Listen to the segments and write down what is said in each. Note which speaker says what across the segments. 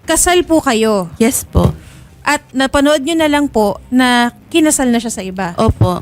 Speaker 1: kasal po kayo
Speaker 2: Yes po.
Speaker 1: at napanood nyo na lang po na kinasal na siya sa iba.
Speaker 2: Opo.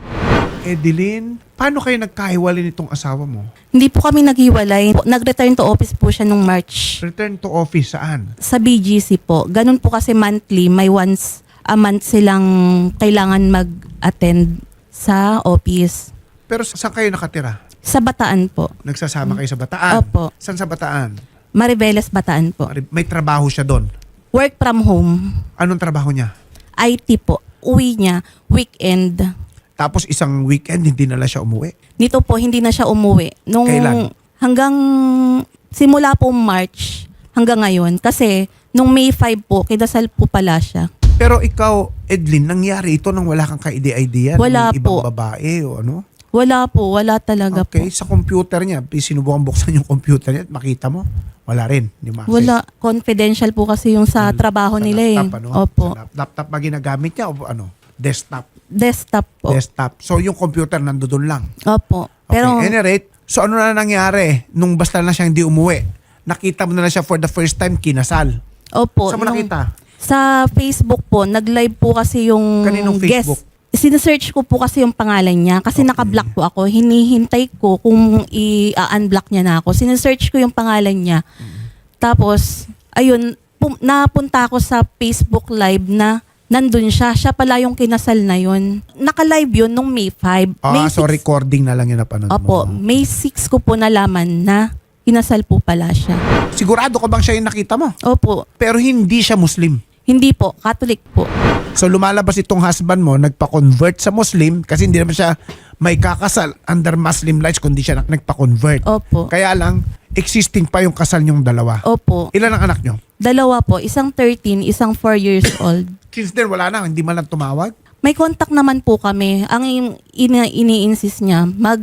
Speaker 3: Edeline, paano kayo nagkahiwalay nitong asawa mo?
Speaker 2: Hindi po kami naghiwalay. Nag-return to office po siya nung March.
Speaker 3: Return to office saan?
Speaker 2: Sa BGC po. Ganun po kasi monthly. May once a month silang kailangan mag-attend sa office.
Speaker 3: Pero saan kayo nakatira?
Speaker 2: Sa Bataan po.
Speaker 3: Nagsasama kayo sa Bataan?
Speaker 2: Opo.
Speaker 3: Saan sa Bataan?
Speaker 2: Mariveles, Bataan po.
Speaker 3: May trabaho siya doon.
Speaker 2: Work from home.
Speaker 3: Anong trabaho niya?
Speaker 2: IT po. Uwi niya. Weekend.
Speaker 3: Tapos isang weekend, hindi na lang siya umuwi.
Speaker 2: Nito po, hindi na siya umuwi.
Speaker 3: Kailan?
Speaker 2: Hanggang simula po March hanggang ngayon. Kasi nung May 5 po, kinasal po pala siya.
Speaker 3: Pero ikaw, Edeline, nangyari ito nang wala kang ka-idea?
Speaker 2: Wala
Speaker 3: May ibang
Speaker 2: po.
Speaker 3: babae o ano?
Speaker 2: Wala po. Wala talaga
Speaker 3: Okay,
Speaker 2: po.
Speaker 3: sa computer niya, sinubukan buksan yung computer niya at makita mo, wala rin. Hindi mo access.
Speaker 2: Wala. Confidential po kasi yung sa trabaho
Speaker 3: Sa
Speaker 2: nila
Speaker 3: laptop,
Speaker 2: eh.
Speaker 3: ano?
Speaker 2: Opo.
Speaker 3: Sa laptop ba ginagamit niya o ano? Desktop.
Speaker 2: Desktop po.
Speaker 3: Desktop. So yung computer nandoon lang.
Speaker 2: Opo.
Speaker 3: Okay.
Speaker 2: Pero
Speaker 3: Any rate, so ano na nangyari nung basta na siya hindi umuwi? Nakita mo na lang siya for the first time kinasal.
Speaker 2: opo.
Speaker 3: Saan mo nakita?
Speaker 2: Sa Facebook po, nag-live po kasi yung
Speaker 3: Kaninong Facebook?
Speaker 2: guest. Sinesearch ko po kasi yung pangalan niya kasi
Speaker 3: Okay.
Speaker 2: naka-block po ako. Hinihintay ko kung i-unblock niya na ako. Sinesearch ko yung pangalan niya. Tapos, ayun, napunta ako sa Facebook live na nandun siya. Siya pala yung kinasal na yun. Naka-live yun nung May 5. May
Speaker 3: So
Speaker 2: 6
Speaker 3: recording na lang yung napanood
Speaker 2: Opo,
Speaker 3: mo.
Speaker 2: May 6 ko po nalaman na kinasal po pala siya.
Speaker 3: Sigurado ka bang siya yung nakita mo?
Speaker 2: Opo,
Speaker 3: Pero hindi siya Muslim.
Speaker 2: hindi po, Catholic po.
Speaker 3: So lumalabas itong husband mo, nagpa-convert sa Muslim kasi hindi naman siya may kakasal under Muslim rights kundi siya nagpa-convert.
Speaker 2: Opo.
Speaker 3: Kaya lang, existing pa yung kasal niyong dalawa.
Speaker 2: Opo.
Speaker 3: Ilan ang anak niyo?
Speaker 2: Dalawa po, isang 13, isang 4 years old.
Speaker 3: Since then, wala na, hindi man lang tumawag.
Speaker 2: May contact naman po kami. Ang ini-insist niya,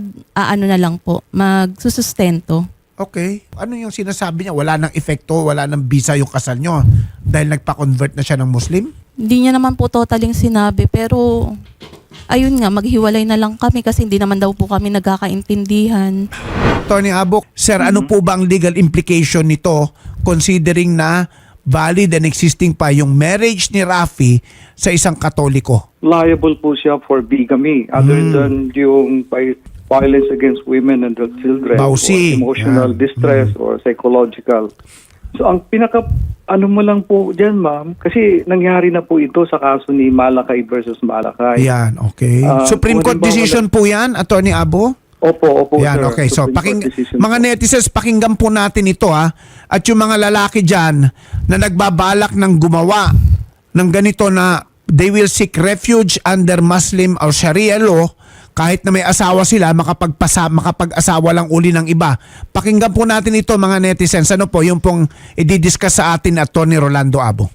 Speaker 2: ano na lang po, magsusustento.
Speaker 3: Okay. Ano yung sinasabi niya? Wala nang epekto, wala nang visa yung kasal niyo dahil nagpa-convert na siya ng Muslim?
Speaker 2: Hindi niya naman po totaling sinabi, pero ayun nga, maghiwalay na lang kami kasi hindi naman daw po kami nagkakaintindihan.
Speaker 3: Tony Abok, sir, ano po ba ang legal implication nito considering na valid and existing pa yung marriage ni Rafi sa isang Katoliko?
Speaker 4: Liable po siya for bigamy other than yung violence against women and children
Speaker 3: Bawsi.
Speaker 4: or emotional
Speaker 3: Yan.
Speaker 4: distress or psychological. So ang ano mo lang po dyan, ma'am, kasi nangyari na po ito sa kaso ni Malakay versus Malakay.
Speaker 3: Yan, okay. Supreme
Speaker 4: kung
Speaker 3: Court
Speaker 4: halimbawa
Speaker 3: decision po yan, Attorney Abo?
Speaker 4: Opo,
Speaker 3: Yan,
Speaker 4: sir.
Speaker 3: okay. So,
Speaker 4: Supreme Court decision
Speaker 3: mga
Speaker 4: po.
Speaker 3: netizens, pakinggan po natin ito ha. At yung mga lalaki dyan na nagbabalak ng gumawa ng ganito na they will seek refuge under Muslim or Sharia law kahit na may asawa sila, makapag-asawa lang uli ng iba. Pakinggan po natin ito mga netizens. Ano po yung pong i-discuss sa atin at Attorney Rolando Abo?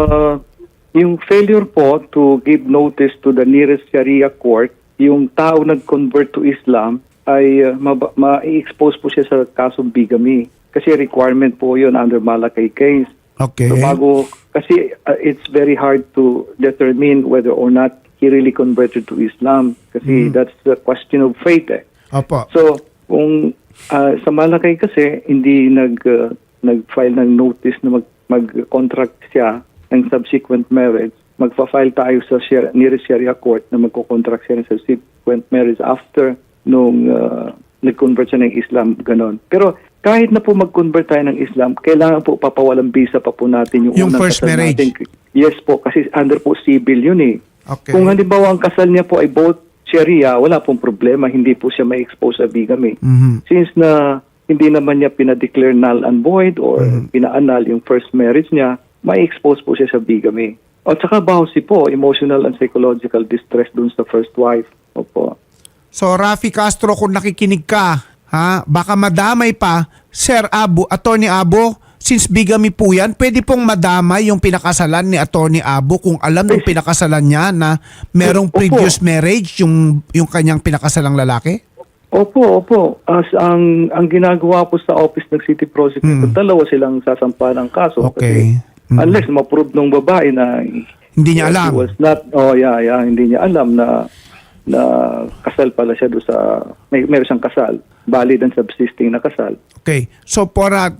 Speaker 4: Yung failure po to give notice to the nearest Sharia court, yung tao nag-convert to Islam ay ma-expose po siya sa kasong bigamy. Kasi requirement po yun under Malakay case.
Speaker 3: Okay.
Speaker 4: So kasi it's very hard to determine whether or not he really converted to Islam. Kasi that's the question of faith eh.
Speaker 3: Opo.
Speaker 4: So, kung sa Malakay kasi, hindi nag-file ng notice na mag-contract siya ng subsequent marriage, magpa-file tayo sa nearest Sharia court na magko-contract siya ng subsequent marriage after nung nag-convert siya ng Islam, ganon. Pero kahit na po mag-convert tayo ng Islam, kailangan po papawalang visa pa po natin yung unang
Speaker 3: first
Speaker 4: kasal
Speaker 3: marriage.
Speaker 4: natin. Yes po, kasi under po civil yun eh.
Speaker 3: Okay.
Speaker 4: Kung halimbawa ang kasal niya po ay both Sharia, wala pong problema, hindi po siya may expose sa bigamy.
Speaker 3: Mhm.
Speaker 4: Since na hindi naman niya pinadeclare null and void or pina-annul yung first marriage niya, may expose po siya sa bigamy. At saka bawsi po, emotional and psychological distress dun sa first wife. Opo.
Speaker 3: So Rafi Castro, kung nakikinig ka, ha, baka madamay pa, Sir Abo, Attorney Abo, since bigamy po yan, pwede pong madamay yung pinakasalan ni Attorney Abo kung alam ng pinakasalan niya na merong
Speaker 4: Opo.
Speaker 3: previous marriage yung kanyang pinakasalang lalaki?
Speaker 4: Opo. As ang ginagawa po sa office ng city prosecutor, dalawa silang sasampa ng kaso.
Speaker 3: Okay.
Speaker 4: Kasi unless ma-prove ng babae na
Speaker 3: Hindi niya alam.
Speaker 4: she was not, hindi niya alam na kasal pala siya doon sa, meron siyang kasal. valid and subsisting na kasal.
Speaker 3: Okay. So,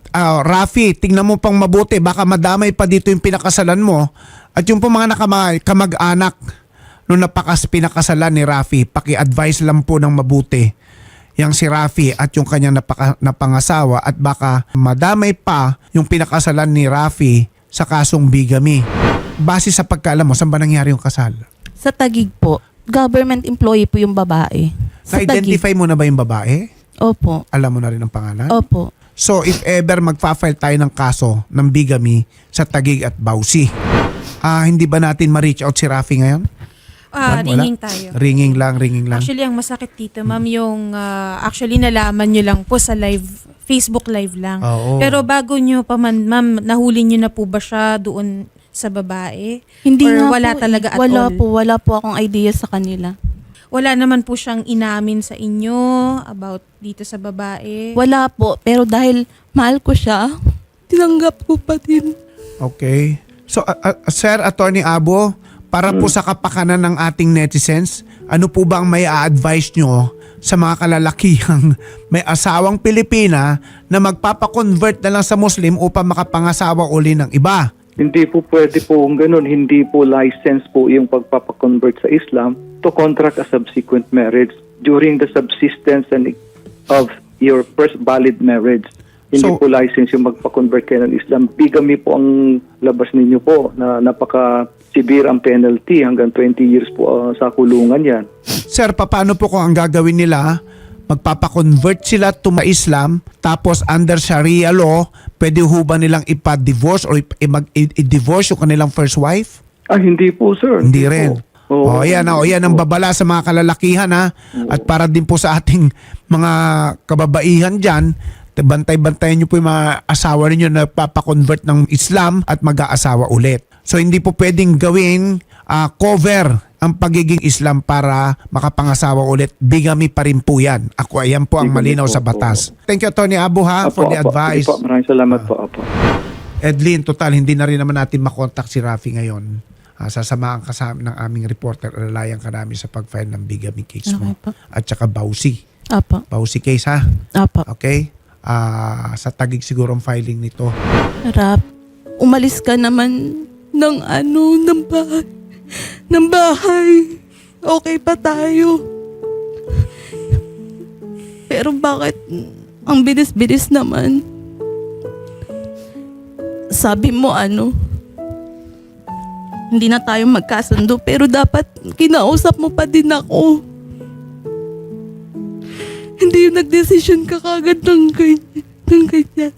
Speaker 3: Rafi, tingnan mo pang mabuti. Baka madamay pa dito yung pinakasalan mo. At yung po mga kamag-anak nung pinakasalan ni Rafi, paki-advise lang po ng mabuti yang si Rafi at yung kanyang napangasawa at baka madamay pa yung pinakasalan ni Rafi sa kasong bigamy. Base sa pagkaalam mo, saan ba nangyari yung kasal?
Speaker 2: Sa Taguig po, government employee po yung babae. Sa
Speaker 3: Na-identify mo na ba yung babae?
Speaker 2: Opo.
Speaker 3: Alam mo na rin ang pangalan?
Speaker 2: Opo.
Speaker 3: So if ever magfa-file tayo ng kaso ng bigamy sa Taguig at Bausi, hindi ba natin ma-reach out si Rafi ngayon? Wala?
Speaker 1: Ringing tayo.
Speaker 3: Ringing lang.
Speaker 1: Actually, ang masakit dito, ma'am, yung actually nalaman nyo lang po sa Facebook live lang.
Speaker 3: Oo.
Speaker 1: Pero bago nyo pa man, ma'am, nahuli nyo na po ba siya doon sa babae?
Speaker 2: Hindi
Speaker 1: Or
Speaker 2: nga
Speaker 1: wala
Speaker 2: po,
Speaker 1: talaga at
Speaker 2: wala
Speaker 1: all?
Speaker 2: Wala po akong idea sa kanila.
Speaker 1: Wala naman po siyang inamin sa inyo about dito sa babae?
Speaker 2: Wala po, pero dahil mahal ko siya, tinanggap ko pa din.
Speaker 3: Okay. So, Sir Attorney Abo, para po sa kapakanan ng ating netizens, ano po ba ang may a-advise nyo sa mga kalalakihang may asawang Pilipina na magpapakonvert na lang sa Muslim upang makapangasawa uli ng iba?
Speaker 4: Hindi po pwede po kung ganun. Hindi po license po yung pagpapakonvert sa Islam to contract a subsequent marriage during the subsistence of your first valid marriage. Hindi
Speaker 3: So,
Speaker 4: po license yung magpa-convert kayo ng Islam. Bigamy po ang labas ninyo po na napaka-severe ang penalty. Hanggang 20 years po sa kulungan yan.
Speaker 3: Sir, paano po kung ang gagawin nila, magpapakonvert sila to Islam, tapos under Sharia law, pwede ho ba nilang ipa-divorce or i-divorce yung kanilang first wife?
Speaker 4: Hindi po, sir.
Speaker 3: Hindi rin.
Speaker 4: Po.
Speaker 3: Yan ang babala sa mga kalalakihan ha. At para din po sa ating mga kababaihan dyan, bantay-bantayan nyo po yung mga asawa ninyo na papakonvert ng Islam at mag-aasawa ulit. So hindi po pwedeng gawing cover ang pagiging Islam para makapangasawa ulit. Bigamy pa rin po yan. Ayan po ang
Speaker 4: Bigamy
Speaker 3: malinaw
Speaker 4: po,
Speaker 3: sa batas. Thank you, Atty. Abu for the advice.
Speaker 4: Sige po, maraming salamat po. Apo.
Speaker 3: Edlin, total, hindi na rin naman natin makontak si Rafi ngayon. Sasamahan ka sa ng aming reporter, alalayan ka namin sa pag-file ng bigamy case mo.
Speaker 2: Okay po.
Speaker 3: At saka Bausi.
Speaker 2: Apo.
Speaker 3: Bausi case ha.
Speaker 2: Apo.
Speaker 3: Okay? Sa Taguig siguro ang filing nito.
Speaker 2: Rap, umalis ka naman ng bahay. Ng bahay. Okay pa tayo. Pero bakit ang bilis-bilis naman? Sabi mo hindi na tayo magkasundo pero dapat kinausap mo pa din ako. Hindi yung nagdesisyon ka kagad ng ganyan.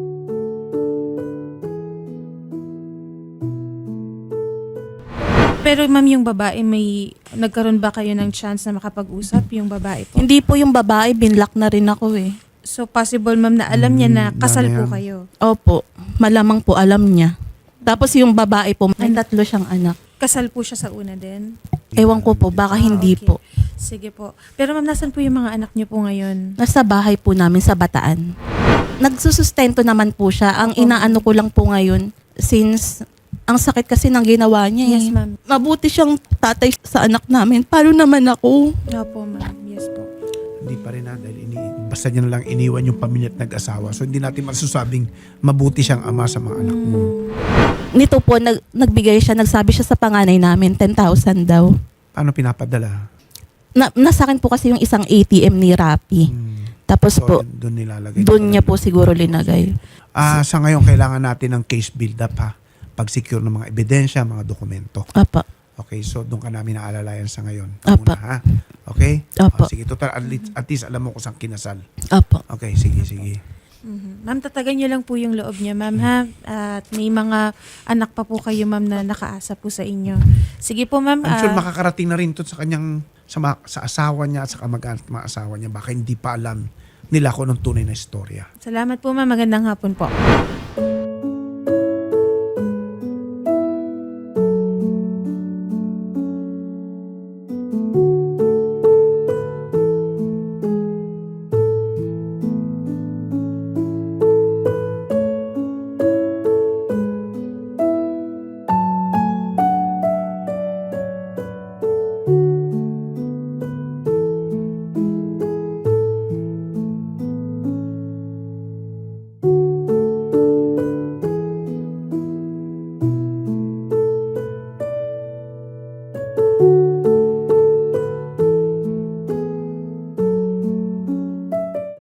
Speaker 1: Pero ma'am, yung babae, nagkaroon ba kayo ng chance na makapag-usap yung babae po?
Speaker 2: Hindi po yung babae, binlock na rin ako eh.
Speaker 1: So possible ma'am na alam niya na kasal
Speaker 3: ano
Speaker 1: po
Speaker 3: yan?
Speaker 1: kayo?
Speaker 2: Opo, malamang po alam niya. Tapos yung babae po, may 3 siyang anak.
Speaker 1: Kasal po siya sa una din?
Speaker 2: Ewan ko po, baka hindi
Speaker 1: Okay.
Speaker 2: po.
Speaker 1: Sige po. Pero ma'am, nasan po yung mga anak niyo po ngayon?
Speaker 2: Nasa bahay po namin sa Bataan. Nagsusustento naman po siya. Ang inaano ko lang po ngayon, since ang sakit kasi ng ginawa niya.
Speaker 1: Yes, ma'am.
Speaker 2: Mabuti siyang tatay sa anak namin. Paano naman ako?
Speaker 1: Opo, ma'am. Yes po.
Speaker 3: Hindi pa rin dahil basta niya na lang iniwan yung pamilya at nag-asawa. So hindi natin masasabing mabuti siyang ama sa mga anak mo.
Speaker 2: Nito po, nagbigay siya, nagsabi siya sa panganay namin, 10,000 daw.
Speaker 3: Paano pinapadala?
Speaker 2: Nasa akin po kasi yung isang ATM ni Rappi. Tapos
Speaker 3: So,
Speaker 2: po,
Speaker 3: doon nilalagay.
Speaker 2: doon niya po siguro linagay.
Speaker 3: Sa ngayon, kailangan natin ng case build-up ha. Pag-secure ng mga ebidensya, mga dokumento.
Speaker 2: Apa.
Speaker 3: Okay, so doon ka namin naalalayan sa ngayon.
Speaker 2: Apa.
Speaker 3: Muna, ha? Okay?
Speaker 2: Apa.
Speaker 3: Sige, total, at least alam mo kung saan kinasal.
Speaker 2: Apa.
Speaker 3: Okay, sige.
Speaker 1: Ma'am, tatagan niyo lang po yung loob niya, ma'am, ha? At may mga anak pa po kayo, ma'am, na nakaasa po sa inyo. Sige po, ma'am.
Speaker 3: I'm sure makakarating na rin to sa kanyang sa asawa niya at sa kamag-anak ng mga asawa niya. Baka hindi pa alam nila kung anong tunay na istorya.
Speaker 1: Salamat po, ma'am. Magandang hapon po.